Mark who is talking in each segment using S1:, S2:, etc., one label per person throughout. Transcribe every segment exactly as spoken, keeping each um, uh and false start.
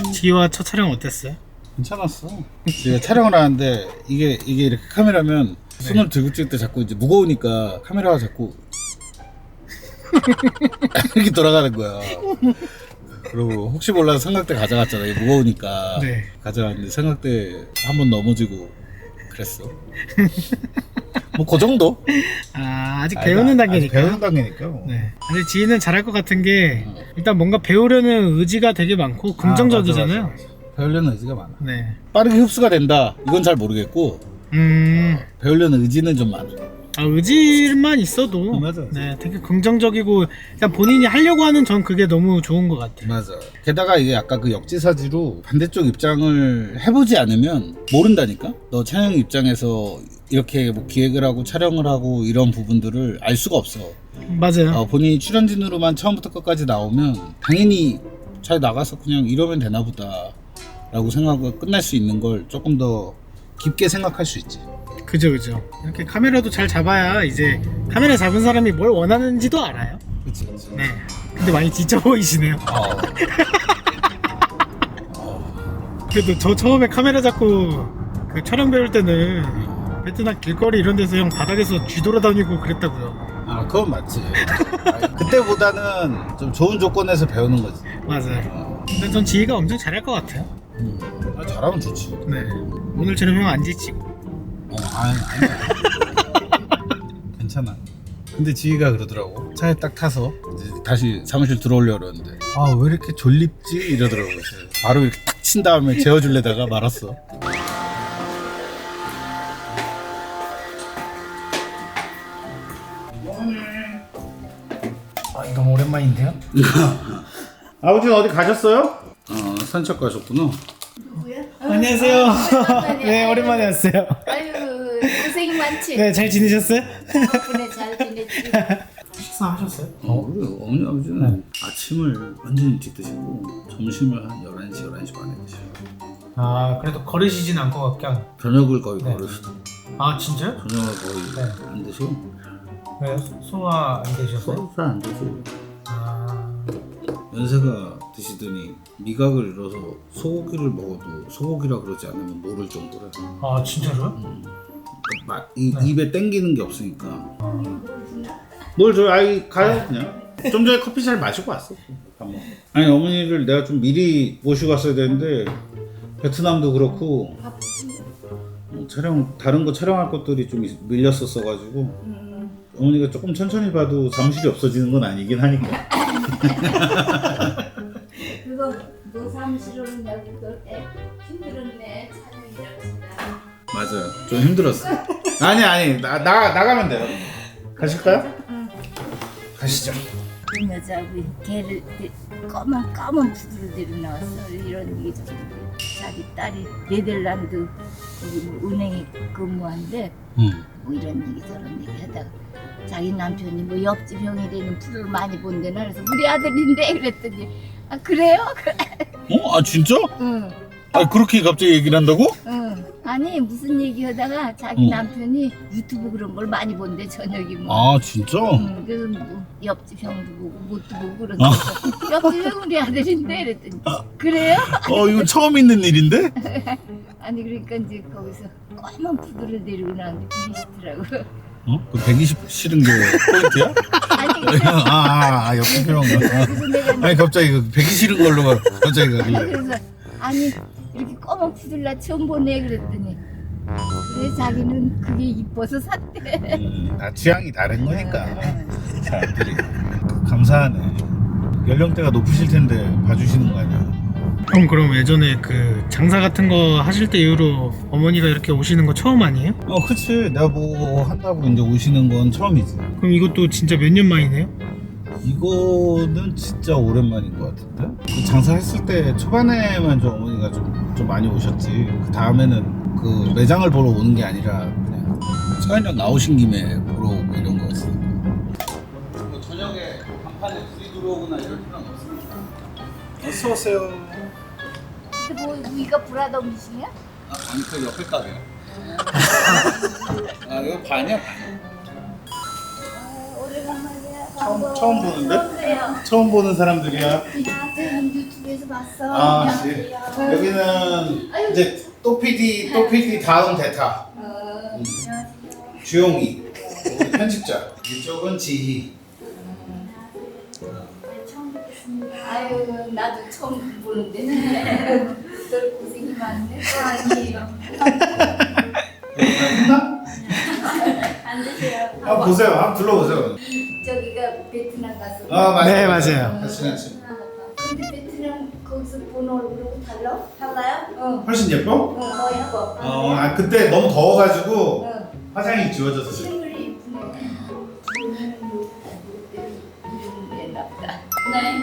S1: 지희와 첫 촬영 어땠어요?
S2: 괜찮았어. 제가 촬영을 하는데 이게 이게 이렇게 카메라면 손을
S1: 네.
S2: 들고 찍을 때 자꾸 이제 무거우니까 카메라가 자꾸 이렇게 돌아가는 거야. 그리고 혹시 몰라서 삼각대 가져갔잖아. 이게 무거우니까
S1: 네.
S2: 가져갔는데 삼각대 한 번 넘어지고 그랬어. 뭐 그 정도?
S1: 아 아직 배우는 단계니까.
S2: 배우는 단계니까. 뭐.
S1: 네. 근데 지희는 잘할 것 같은 게 일단 뭔가 배우려는 의지가 되게 많고 긍정적이잖아요.
S2: 아, 맞아, 맞아. 배우려는 의지가 많아.
S1: 네.
S2: 빠르게 흡수가 된다. 이건 잘 모르겠고
S1: 음.
S2: 배우려는 의지는 좀 많아.
S1: 아, 의지만 있어도
S2: 어, 맞아, 맞아.
S1: 네, 되게 긍정적이고 일단 본인이 하려고 하는 전 그게 너무 좋은 것 같아요.
S2: 맞아. 게다가 이게 아까 그 역지사지로 반대쪽 입장을 해보지 않으면 모른다니까? 너 촬영 입장에서 이렇게 뭐 기획을 하고 촬영을 하고 이런 부분들을 알 수가 없어.
S1: 맞아요.
S2: 어, 본인이 출연진으로만 처음부터 끝까지 나오면 당연히 잘 나가서 그냥 이러면 되나 보다 라고 생각하고 끝날 수 있는 걸 조금 더 깊게 생각할 수 있지.
S1: 그죠 그죠. 이렇게 카메라도 잘 잡아야 이제 카메라 잡은 사람이 뭘 원하는지도 알아요.
S2: 그치 그치.
S1: 네. 근데 많이 지쳐 보이시네요.
S2: 어.
S1: 그래도 저 처음에 카메라 잡고 그 촬영 배울 때는 베트남 길거리 이런 데서 형 바닥에서 쥐돌아다니고 그랬다고요.
S2: 아 그건 맞지. 아니, 그때보다는 좀 좋은 조건에서 배우는 거지.
S1: 맞아요. 근데 전 지희가 엄청 잘할 것 같아요.
S2: 음. 아, 잘하면 좋지.
S1: 네. 오늘처럼 형 안 지치고.
S2: 어, 아니, 아니야. 괜찮아. 근데 지희가 그러더라고. 차에 딱 타서 이제 다시 사무실 들어오려고 그러는데 아, 왜 이렇게 졸립지? 이러더라고. 그래서 바로 이렇게 탁 친 다음에 재워주려다가 말았어.
S1: 아, 너무 오랜만인데요?
S2: 아버지는 어디 가셨어요? 어, 산책 가셨구나.
S3: 누구야?
S1: 안녕하세요.
S3: 오랜만에.
S1: 네, 오랜만에 왔어요.
S3: 아유 고생이 많지.
S1: 네, 잘 지내셨어요?
S3: 덕분에 잘 지냈지.
S1: 식사하셨어요?
S2: 어, 우리 어머니 아버지는 아침을 완전히 일찍 드시고 점심을 한 열한 시, 열한 시 반에 드셔요.
S1: 아, 그래도 거르시진 않고 그냥.
S2: 저녁을 거의
S1: 네.
S2: 거르시죠.
S1: 아, 진짜요?
S2: 저녁을 거의
S1: 네.
S2: 안 드시고
S1: 왜 소화 안 되셨어요?
S2: 서로 잘안 드시고
S1: 아,
S2: 연세가 드시더니 미각을 잃어서 소고기를 먹어도 소고기라 그러지 않으면 모를 정도라.
S1: 아 진짜로요?
S2: 마, 이,
S1: 네.
S2: 입에 땡기는 게 없으니까. 뭘 줘요? 아이 가요 그냥. 좀 전에 커피 잘 마시고 왔어. 밥 먹고. 아니 어머니를 내가 좀 미리 모시고 왔어야 되는데 베트남도 그렇고 어, 촬영 다른 거 촬영할 것들이 좀 있- 밀렸었어가지고
S3: 음,
S2: 어머니가 조금 천천히 봐도 사무실이 없어지는 건 아니긴 하니까.
S3: 그거 너 사무실로는 내가 그럴 때 힘들었네 촬영이라고 생각.
S2: 맞아요. 좀 힘들었어. 아니 아니 나, 나 나가면 돼요. 가실까요?
S3: 응.
S2: 가시죠.
S3: 그 여자하고 걔를 데- 검은 까만 푸드로 데려 나왔어. 이런 얘기 좀. 자기 딸이 네덜란드 거기 뭐 은행에 근무한데
S2: 응.
S3: 뭐 이런 얘기 저런 얘기 하다가 자기 남편이 뭐 옆집 형이라는 프로를 많이 본대나 그래서 우리 아들인데 그랬더니 아 그래요?
S2: 어? 아 진짜?
S3: 응.
S2: 아 그렇게 갑자기 얘기를 한다고?
S3: 응. 아니 무슨 얘기하다가 자기
S2: 응.
S3: 남편이 유튜브 그런 걸 많이 본대 저녁이 뭐.
S2: 아 진짜?
S3: 응. 그래서 뭐 옆집 형도 보고 못도 보고 그러는데 옆집 형 우리 아들인데 그랬더니 그래요?
S2: 어 이거 처음 있는 일인데?
S3: 아니 그러니까 이제 거기서 까만 푸드를 데리고 나왔는데 비리시더라고.
S2: 어? 그 백이십 실은 게 포인트야?
S3: 아니 그래서,
S2: 아, 아, 아 옆에 그런 거.
S3: 그래서 내가
S2: 아니 갑자기 그 백이 실은 걸로 가- 갑자기 가길래.
S3: 그래서 아니 이렇게 까만 푸드를 나 처음 보네 그랬더니 그래 자기는 그게 이뻐서 샀대.
S2: 음, 다 취향이 다른 거니까 사람들이. 감사하네. 연령대가 높으실 텐데 봐주시는 거 아니야?
S1: 형 그럼 예전에 그 장사 같은 거 하실 때 이후로 어머니가 이렇게 오시는 거 처음 아니에요?
S2: 어 그치. 내가 뭐 한다고 이제 오시는 건 처음이지.
S1: 그럼 이것도 진짜 몇 년 만이네요?
S2: 이거는 진짜 오랜만인 것 같은데? 그 장사했을 때 초반에만 좀 어머니가 좀, 좀 많이 오셨지. 그 다음에는 그 매장을 보러 오는 게 아니라 그냥 서현이랑 나오신 김에 보러 오고 이런 거였으니까. 뭐 저녁에 간판에 불이 들어오거나 이럴 필요는 없습니다. 어서 오세요.
S3: 근데 뭐 위가 브라더 음식이야?
S2: 아, 아니 그 옆에 가게요. 아 이거 반이야 반.
S3: 아, 오래간만이야.
S2: 처음, 처음 보는데?
S3: 처음이에요.
S2: 처음 보는 사람들이야.
S3: 아, 유튜브에서 봤어.
S2: 아, 네. 여기는 이제 또 피디, 또 피디 다음 대타.
S3: 어,
S2: 음. 주용이, 우리 편집자. 이쪽은 지희.
S3: 처음 뵙겠습니다. 아유, 나도 처음 보는데. 널 고생이 많네. 아니에요.
S2: 했나?
S3: 안 드세요.
S2: 한번 보세요. 한번 둘러보세요.
S3: 저기가 베트남 가서.
S2: 아, 맞아요.
S1: 네, 맞아요.
S2: 같이 같이.
S3: 근데 베트남 거기서 본 얼굴하고 달라? 달라요? 어.
S2: 훨씬 예뻐?
S3: 어, 더 예뻐.
S2: 어, 아, 그때 너무 더워가지고
S3: 어.
S2: 화장이 지워져서 그래.
S3: 실물이 이쁘네. 저는 뭐, 이름 냈나 보다. 네.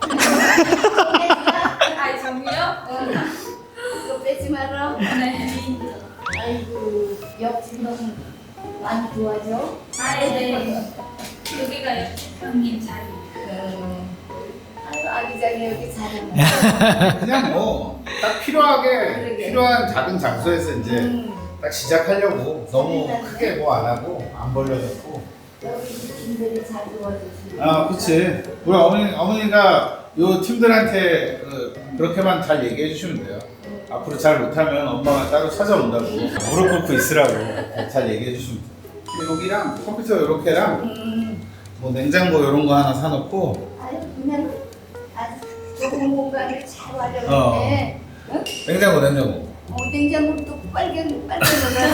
S4: 아, 정이요?
S3: 어. 이거 빼지 마라.
S4: 네.
S3: 아이고, 옆집 너무 많이 도와줘.
S4: 아, 네. 여기가 형님 자리.
S3: 어. 아유, 아기자기 여기 잘하네.
S2: 그냥 뭐 딱 필요하게
S3: 그러게.
S2: 필요한 작은 장소에서 이제
S3: 음.
S2: 딱 시작하려고 너무 크게 뭐 안 하고 안 벌려졌고.
S3: 여기 팀들이 잘 도와주시고.
S2: 아, 그렇지. 우리 어머니 어머니가 요 팀들한테 그, 그렇게만 잘 얘기해 주시면 돼요. 앞으로 잘 못하면 엄마가 따로 찾아온다고 무릎 꿇고 있으라고 잘 얘기해 주시면 돼요. 여기랑 컴퓨터 요렇게랑
S3: 음.
S2: 뭐 냉장고 이런 거 하나 사놓고
S3: 아유, 그냥 아주 좋은 공간을 잘 활용했네. 어.
S2: 냉장고 냉장고
S3: 어, 냉장고도 빨간 빨간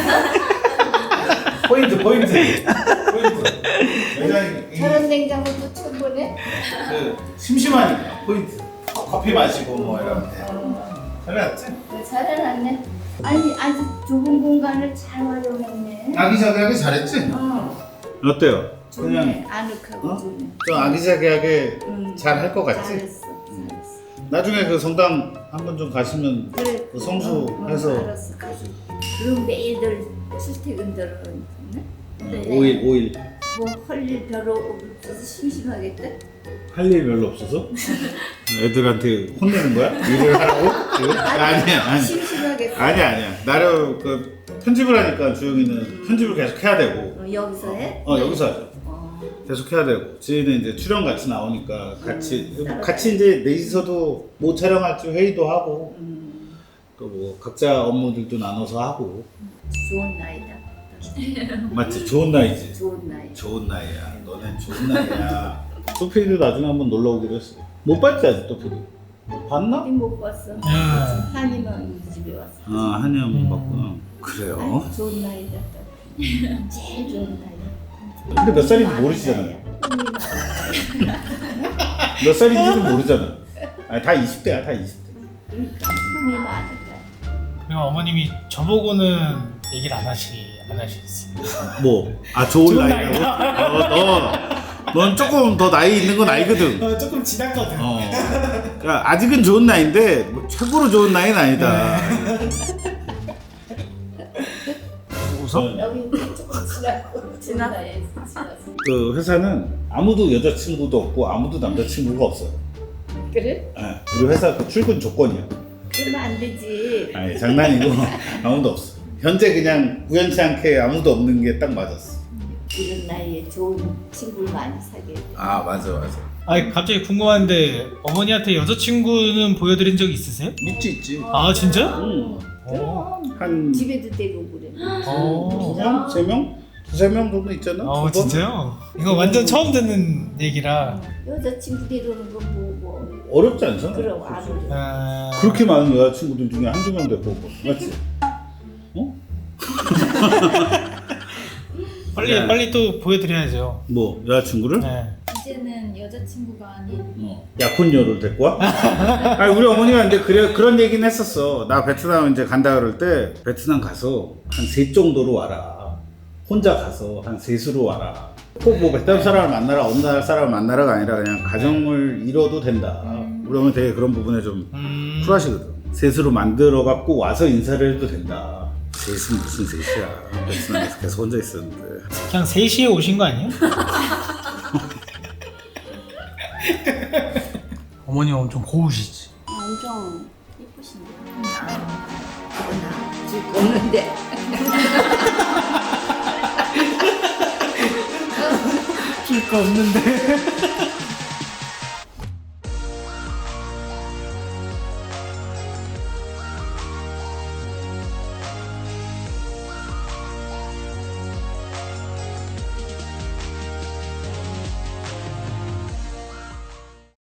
S3: 거라서.
S2: 포인트 포인트 포인트 굉장히
S3: 저런 냉장고도 처음 보네.
S2: 그 심심하니까 포인트 커피 마시고 뭐 이러면 돼.
S3: 어,
S2: 잘해놨지?
S3: 잘해놨네. 아니 아주 좁은 공간을 잘 활용했네.
S2: 아기자기하게 잘했지?
S3: 어,
S2: 어때요?
S3: 좋네. 아늑하고
S2: 어?
S3: 좋네.
S2: 좀 아기자기하게
S3: 음,
S2: 잘 할 것 같지?
S3: 잘했어, 잘했어.
S2: 나중에 그 성당 한번 좀 가시면
S3: 그래.
S2: 그 성수해서
S3: 어, 어, 알았어, 가지. 그럼 매일들 출퇴근들은 네.
S2: 오 일 오 일
S3: 뭐할 일 별로 없어서 심심하겠다.
S2: 할 일 별로 없어서? 애들한테 혼내는 거야? 일을 하라고? 지금? 아니야 아니
S3: 심심하겠어.
S2: 아니야 아니야 나름 그 편집을 하니까 주영이는 편집을 계속 해야 되고
S3: 어, 여기서 해?
S2: 어 여기서 하죠.
S3: 어.
S2: 계속 해야 되고 지희는 이제 출연 같이 나오니까 같이
S3: 음,
S2: 같이 이제 넷이서도 뭐 촬영할지 회의도 하고
S3: 음,
S2: 또 뭐 각자 업무들도 나눠서 하고
S3: 좋은 나이다.
S2: 맞지? 좋은 나이지.
S3: 좋은 나이.
S2: 좋은 나이야. 너넨 좋은 나이야. 또피디도 나중에 한번 놀러 오기로 했어. 못 봤지 아직 또피디? 봤나?
S3: 어디 못 봤어.
S1: 아.
S3: 한이만 우리 집에 왔어.
S2: 아 한이 한번
S1: 음.
S2: 봤구나. 그래요?
S3: 아이, 좋은 나이다. 또. 제일 좋은 나이.
S2: 근데 몇 살인지 모르시잖아요. 몇 살인지도 모르잖아. 아니 다 이십 대야 다 이십 대.
S3: 그러니까 흥이 많은 나이.
S1: 그리고 어머님이 저보고는 얘기를 안 하시 안 하시겠어요.
S2: 뭐? 아 좋은,
S1: 좋은
S2: 나이라고?
S1: 나이다.
S2: 어, 너, 넌 조금 더 나이 있는 건 알거든.
S1: 어, 조금 지났거든.
S2: 어. 그러니까 아직은 좋은 나이인데 뭐 최고로 좋은 나이는 아니다.
S1: 웃어?
S3: 여기 조금 지났고 지난 나이에 지났어.
S2: 그 회사는 아무도 여자친구도 없고 아무도 남자친구가 없어요.
S3: 그래?
S2: 예, 우리 회사 그 출근 조건이야.
S3: 그러면 안 되지.
S2: 아니 장난이고 아무도 없어. 현재 그냥 우연치 않게 아무도 없는 게 딱 맞았어.
S3: 이런 나이에 좋은 친구를 많이 사귀어야 돼.
S2: 아 맞아 맞아.
S1: 아니 갑자기 궁금한데 어머니한테 여자친구는 보여드린 적 있으세요?
S2: 있지 있지.
S1: 아 진짜?
S2: 응.
S3: 그럼
S2: 한
S3: 집에도 대고 그래.
S1: 어.
S2: 두 명? 세 명? 두세 명 정도 있잖아.
S1: 어
S2: 두 번?
S1: 진짜요? 이거 완전 처음 듣는 얘기라.
S3: 여자친구 데려오는 건 뭐 뭐.
S2: 어렵지 않잖아.
S3: 그럼 안 어려.
S1: 아...
S2: 그렇게 많은 여자친구들 중에 한두 명 데리고 오고 맞지? 어?
S1: 빨리
S2: 네.
S1: 빨리 또 보여드려야죠.
S2: 뭐 여자친구를?
S1: 네.
S4: 이제는 여자친구가 아닌
S2: 어. 약혼녀를 데리고 와? 아니 우리 어머니가 이제 그래 그런 얘기는 했었어. 나 베트남 이제 간다 그럴 때 베트남 가서 한 셋 정도로 와라. 혼자 가서 한 셋으로 와라. 꼭 뭐 베트남 사람을 만나라 어느 나라 사람을 만나라가 아니라 그냥 가정을 이뤄도 된다. 우리 어머니 되게 그런 부분에 좀
S1: 음...
S2: 쿨하시거든. 셋으로 만들어 갖고 와서 인사를 해도 된다. 셋은 무슨 셋이야. 베트남에서 계속 혼자 있었는데.
S1: 그냥 세 시에 오신 거 아니에요? 어머니 엄청 고우시지?
S3: 엄청 예쁘신데. 그건 나줄 거 없는데.
S1: 거 없는데.